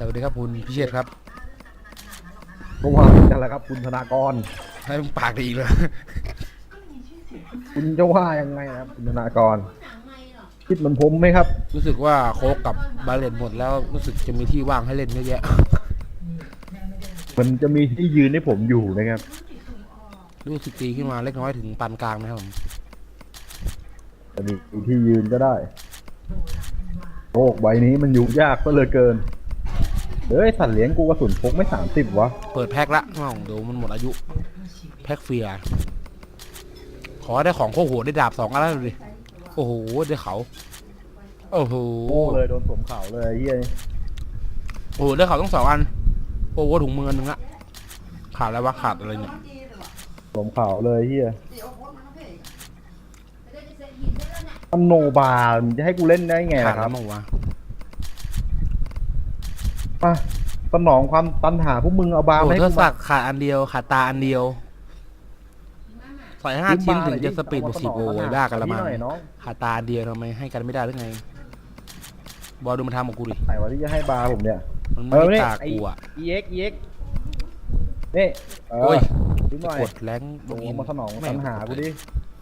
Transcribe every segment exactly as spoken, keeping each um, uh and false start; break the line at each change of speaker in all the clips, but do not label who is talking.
วัสดีครับคุณพิเชษครับ
ก็ว่ากันแหละครับคุณธนากร
ให้มึงปากดีเลย
คุณจะว่ายังไงนะครับคุณธนากรคิดเหมือนผมไหมครับ
รู้สึกว่าโค้กกับบาเลนหมดแล้วรู้สึกจะมีที่ว่างให้เล่นเยอะแยะ
มันจะมีที่ยืนให้ผมอยู่นะครับ
รู้สึกตีขึ้นมาเล็กน้อยถึงปานกลางนะครับผม
จะมีที่ยืนก็ได้โลกใบนี้มันอยู่ยากซะเหลือเกินเฮ้ยสัตว์เลี้ยงกูกระสุนพกไม่สามสิบวะ
เปิดแพ็คละน้องเดี๋ยวมันหมดอายุแพ็คเฟียขอได้ของโคโหได้ดาบสองอันแล้วดิโอ้โหได้เขาโอ้โห
โอ้เลยโดนสวมเข่าเลยเฮีย
โอ้โหได้เขาต้องสองอันโอ้โหถุงมือหนึ่งละขาดอะไรวะขาดอะไรเนี่ย
สวมเข่าเลยเฮียอันโนบาร์จะให้กูเล่นได้ไง
ขาด
ค
แล้
รั
ว
บ
มั้งวะ
มาสนองความตันหาพวกมึงเอาบาร์
โอ้
มาให้
เธอสั
กูมาก
ขาดอันเดียวขาดตาอันเดียวใส่ห้าชิ้นถึงจะสปีดบวกสิบโอ้ยบ้ากันละมั้งขาดตาอันเดียวทำไมให้กันไม่ได้หรือไงบอลดูมันทำกับกูดิ
ไหนวะที่จะให้บาร์ผมเนี่ย
มันไม่ตากูอ่ะ
เอ็กซ์ เอ็กซ์ นี่เออดูหน่อย
กดแรง
ลงมาสนองตันหากูดิ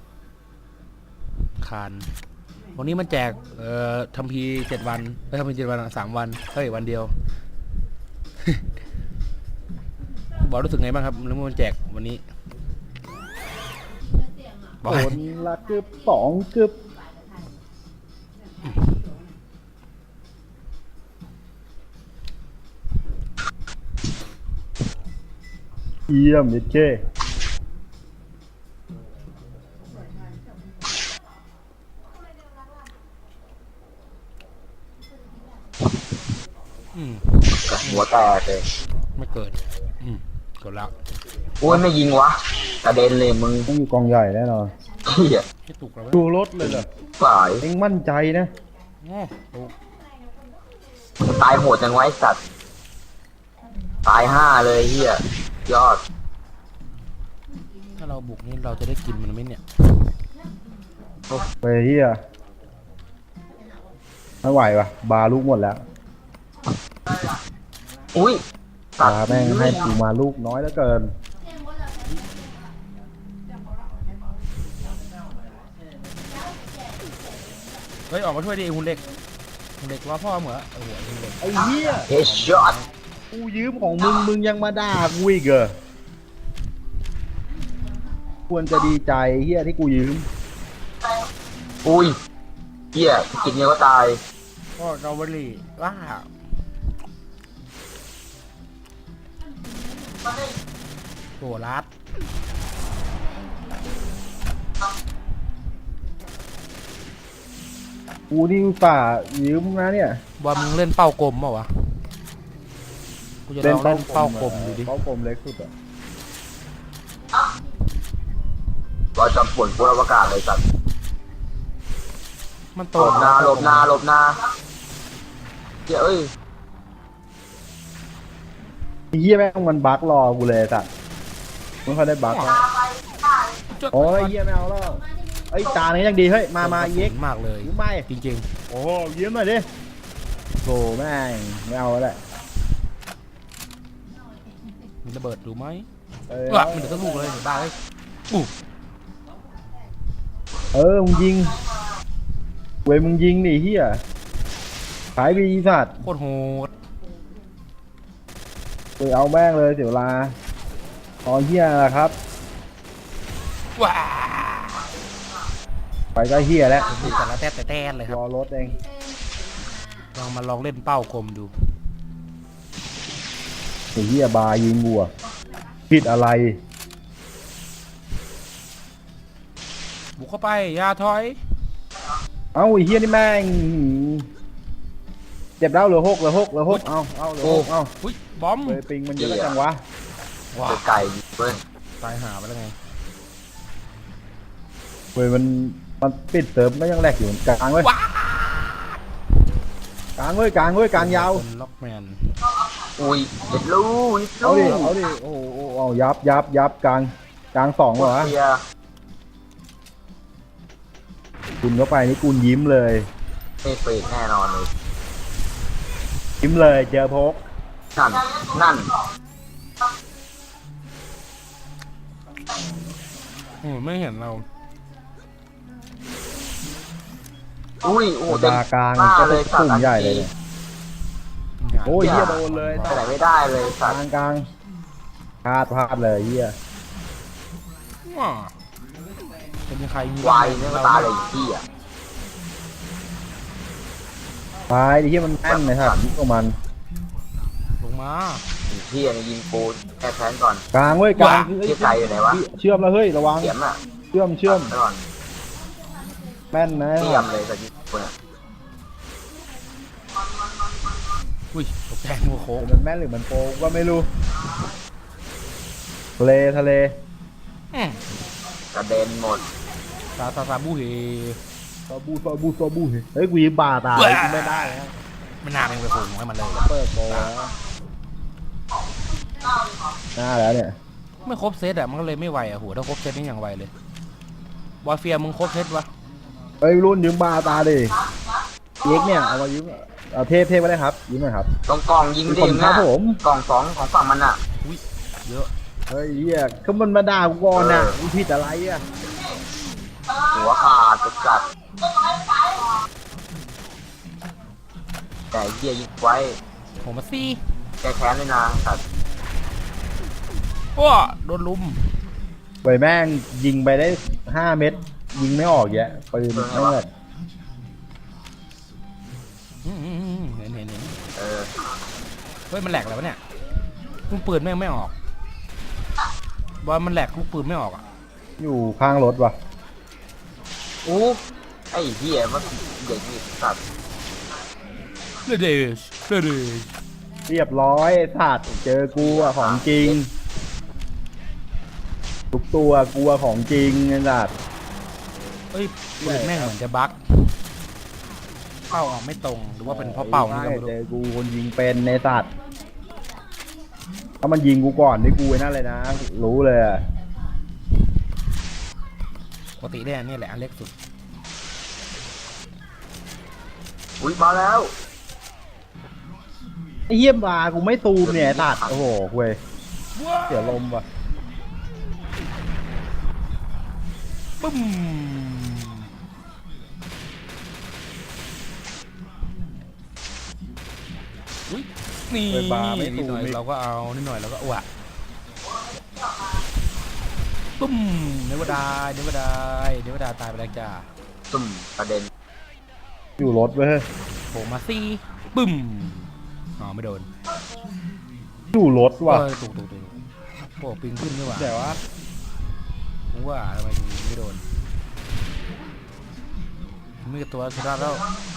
คานวันนี้มันแจกเอ่อทำพีเจ็ดวันไม่ทำพีเจ็ดวันสามวันเฮ้ยวันเดียว บอลรู้สึกไงบ้างครับแล้วมันแจกวันนี้
คนละกึบสองกึบเยี่ยมนิดเก้
หัวแตกเลย
ไม่เกิดอืมกดแล้ว
โอ้ยไม่ยิงวะกระเด็นเลยมึง
ต้องอยู่กองใหญ่แน่นอน
เฮีย
ดูรถเลยเหรอ
ฝ่าย
เอ็งมั่นใจนะ
ตายโหดจังไว้สัตว์ตายห้าเลยเฮียยอด
ถ้าเราบุกนี่เราจะได้กินมันไหมเนี่ย
ไปเฮียไม่ไหววะบาลูกหมดแล้ว
อุ้ย
บาแม่งให้กูมาลูกน้อยแล้วเกิน
เฮ้ยออกมาช่วยดิคุณเด็กคุณเด็กว่าพ่อเหมือโอ้โหคุณเด็ก
ไอ้เหี้ย
เฮดช็อต
กูยืมของมึงมึงยังมาด่ากูอีกเหรอควรจะดีใจเหี้ยที่กูยืม
อุ้ยเฮียกินเงี้ยก็ตาย
ก็เกาหลีว่าโหรัด
กูนี่อุตส่าห์ยืมนะเนี่ย
บอลมึงเล่นเป้ากลมเปล่าวะกูจะลองเล่นเป้ากลมดูดิ
เป้ากลมเล็กสุดอ่ะ
รอยจำปวนกูอวกาศเลยสัตว์
มันโต
หลบนาหลบนาหลบนาเฮียเอ้ย
เฮียแม่งมันบั๊กรอกูเลยสัตว์มันเขาได้บั๊กโอ้ยเฮียไม่เอาแล้วไอ้ตาเนี่ยยังดีเฮ้ยมามาเย็ก
มากเลย
ยืมไม่
จริง
ๆโอ้ยืมหน่อยดิโธ่แม่งไม่เอาแล้ว
มันระเบิดดูไหมว่ะมันเดือดลูกเลยเดี๋ยวบ้าเลยอู้
เออมึงยิงเว้ยมึงยิงดิเฮียขายบีสัตว์
โคตรโหด
เออเอาแม่งเลยเสียเวลาตอนเฮียละครับ
ว้า
ไปก็เฮียแล้ว
แต่ละแต้แต่แต้เลยครับ
รอรถเอง
ลองมาลองเล่นเป้ากลมดู
ไอ้เฮียบายิงบัวผิดอะไร
บุกเข้าไปอย่าถอย
เอ้าไอ้เฮียนี่แม่งเจ็บแล้วเหลือหกเหลือหกเหลือหกเอาเอาเหลือหกเอา
อุ้ยบอม
เลยปิงมันเยอะจังวะ
ว้าไก่เว้ย
ตายหาไปแล้วไง
เว้ยมันมันปิดเติมก็ยังแหลกอยู่กลางเว้ยกลางเว้ยกลางเว้ยกลางยาว
ล็อกแมน
อุ้ยเด็ดลูก
เอาดิเอาดิโอ้โหเอายับยับยับกลางกลางสองเหรอคุณเข้าไปนี่คุณยิ้มเลย
ไม่เฟกแน่นอนเลย
ยิ้มเลยเจอพก
นั่นนั่น
อืมไม่เห็นเรา
อุ้ยโอ้โห
ดากลาง
หน้า
ก็
เลย
สุ่มใหญ่เลยเนี่ยโอ้ยเหี้ยโดนเลย
ไปไหนไม่ได้เลย
ก
สัต
ลา
ว์
งกลางพลาดพลาดเลยเหี้ย
ว้าเป็นยังใครมี
วายเนี่ยมาตายเลยที่อ่ะ
ตายดิเหี้ยมันแม่นเลยครับยิงของมัน
ลงมา
ที่อ่ะยิงปูแค่แทนก่อน
กลางเว้ยกลาง
เทียบใจอยู่ไหนวะ
เชื่อมแล้วเฮ้ยระวัง
เสียมอ่ะ
เชื่อมเชื่อม
ก่อน
แม่นนะ
เทียมเลยสัตว์ยิงปูเนี่ย
อุ้ยตกใจหัวโค้ง
มันแม่นหรือมันโปกก็ไม่รู้ทะเลทะเล
อืม
กระเด็นหมด
ซาซาซาบูเฮ
ซาบูซาบูซาบูเฮ้ยกูยิงบาตายกูไม่ได้แล้ว
ไม่น่าเป็นไปโค้งให้มันเลย
เปิดโปรแล้วหน้าแล้วเนี่ย
ไม่ครบเซตอะมันก็เลยไม่ไหวอะโหถ้าครบเซตนี่อย่างไวเลยบอลเฟียมึงครบเซตวะ
เฮ้ยรุ่นยืมบาตาดิเอ็กเนี่ยเอามายืมเอาเทพเทพไม่ได้ครับยืมหน่อยครับ
ตรงกล่องยิงดิ
ขอบคุณครั
นะ
บผม
กล่องสองของฝั่งมันอ่ะ
อุ้ยเยอะ
เฮ้ยเฮียก็มันมาด่ากูก่อนน่ะมึงผิดอะไรอ่ะ
หัวขาดตุกจัดแต่เหี้ยยิงไว้
ผมมาซี่
แกแค้นเลยนะสัตว์
ว้าโดนลุม
ไปแม่งยิงไปได้ห้าเม็ดยิงไม่ออกแยะปืนไม่แบบ
อืมอืมอืมเห็นเห็นเห็น
เออ
เฮ้ยมันแหลกแล้ววะเนี่ยลูกปืนแม่งไม่ออกบอลมันแหลกลูกปืนไม่ออกอ่ะ
อยู่ข้างรถว่ะ
อู้ไอ้เหี้ยมันเด็กนี่สัตว์
เดเดชเดเดช
เรียบร้อยสัตว์เจอกูอ่ะของจริงทุกตัวกูอ่ะของจริงไอ้สัตว์
เฮ้ยปืนแม่งเหมือนจะบั๊กเป้าออกไม่ตรงหรือว่าเป็นเพราะเป้านี่ก็ไม่รู้
เจอกูคนยิงเป็นในสัตว์ถ้ามันยิงกูก่อนนี่กูไอ้นั่นเลยนะรู้เลยอ่ะ
ปกติเนี่ยนี่แหละอันเล็กสุด
อุ้ยมาแล้ว
ไอ้เหี้ยบากูไม่ตูมเนี่ยไอ้สัตว์โอ้โหเว้ยเสียลมว่ะ
ปึ้มอุ้ยนี่นิดหน่อยเราก็เอานิดหน่อยเราก็อ้วกปึ้มเนวดาเนวดาเนวดาตายไปแล้วจ้า
ตุ่มกระเด็น
อยู่รถเว้ย
โผล่มาซี่ปึ้มอ๋อไม่โดน
อยู่รถว่ะ
เออถูกถูกถูกโอ้ปิงขึ้นนี่หว่า
แต่ว่า
ผมว่าทำไมถึงไม่โดนไม่กับตัวชนะแล้ว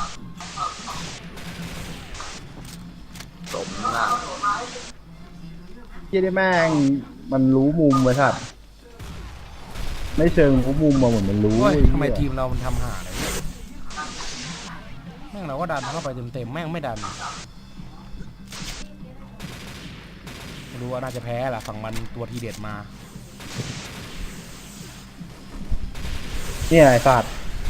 สมหน้า
เหี้ยได้แม่งมันรู้มุมไว้สัตว์ไม่เชิงรู้มุมมาเหมือนมันรู้
โอ้ย
อ้เหี้ย
ทำไมทีมเรามันทำหาอะไรเนี่ยแม่งเราก็ดันเข้าไปเต็มๆแม่งไม่ดันไม่รู้ว่าน่าจะแพ้แหละฝั่งมันตัวทีเด็ดมา
เนี่ยไอ้สัตว์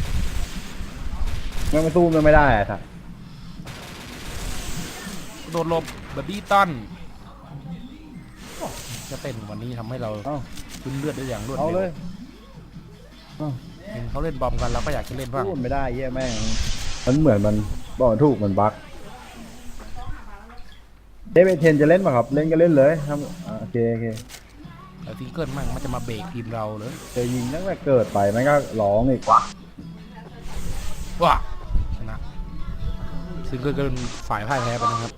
แม่งไม่สู้มันไม่ได้ไอ้สัตว์
โดนลบแบบบี้ตันโอ้จะเต้นวันนี้ทำให้เรา
เอ้า
ขึ้นเลือดได้อย่างรวด
เอาเล
เร็
ยว เอ้า
เห็นเขาเล่นบอมกันเราก็อยากจะเล่นบ้าง
สู้มันไม่ได้เหี้ยแม่งมันเหมือนมันบอกไม่ถูกมันบั๊กเดวิดเทนจะเล่นป่ะครับเล่นก็เล่นเลยทำอ่าโอเคโอเค
แต่ซิงเกิลมั่งมันจะมาเบรกทีมเราเลย
จะยิงตั้งแต่เกิดไปแม่งก็ร้องอีก
วะ
ว้าชนะซิงเกิลก็เป็นฝ่ายพ่ายแพ้ไปนะครับ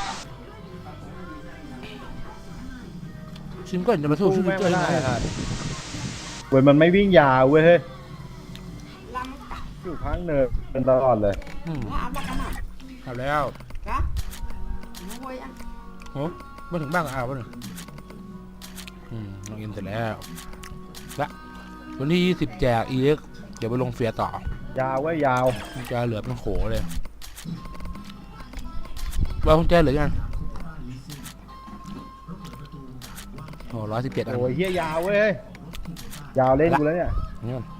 ซิงเกิลจะมาสู้ซิง
แม่ง
เกิล
ไม่
ยัง
ได้
ไง
ครับเว้ยมันไม่วิ่งยาวเว้ยเฮ้ยอยู่ข้างเนินเป็นตลอดเลย
อืม
Nó áp bắt cắn à?
เอาแล้ว
Đó. Nó quay ăn.
โอ้มาถึงบ้านก็เอาวะเนี่ยอืมลงอินเสร็จแล้วละวันที่ยี่สิบแจก อี เอ็กซ์ เดี๋ยวไปลงเฟียร์ต่อย
าวเว้ยยาว
กุญแจเหลือเป็นโขเลยว่ากุญแจเหลือยังโอ้ร้อยสิบเจ็ดอัน
โอ้ยเฮียยาวเว้ยเฮ้ยยาวเล่นกูแล้วเนี่ย
นี่ก่อน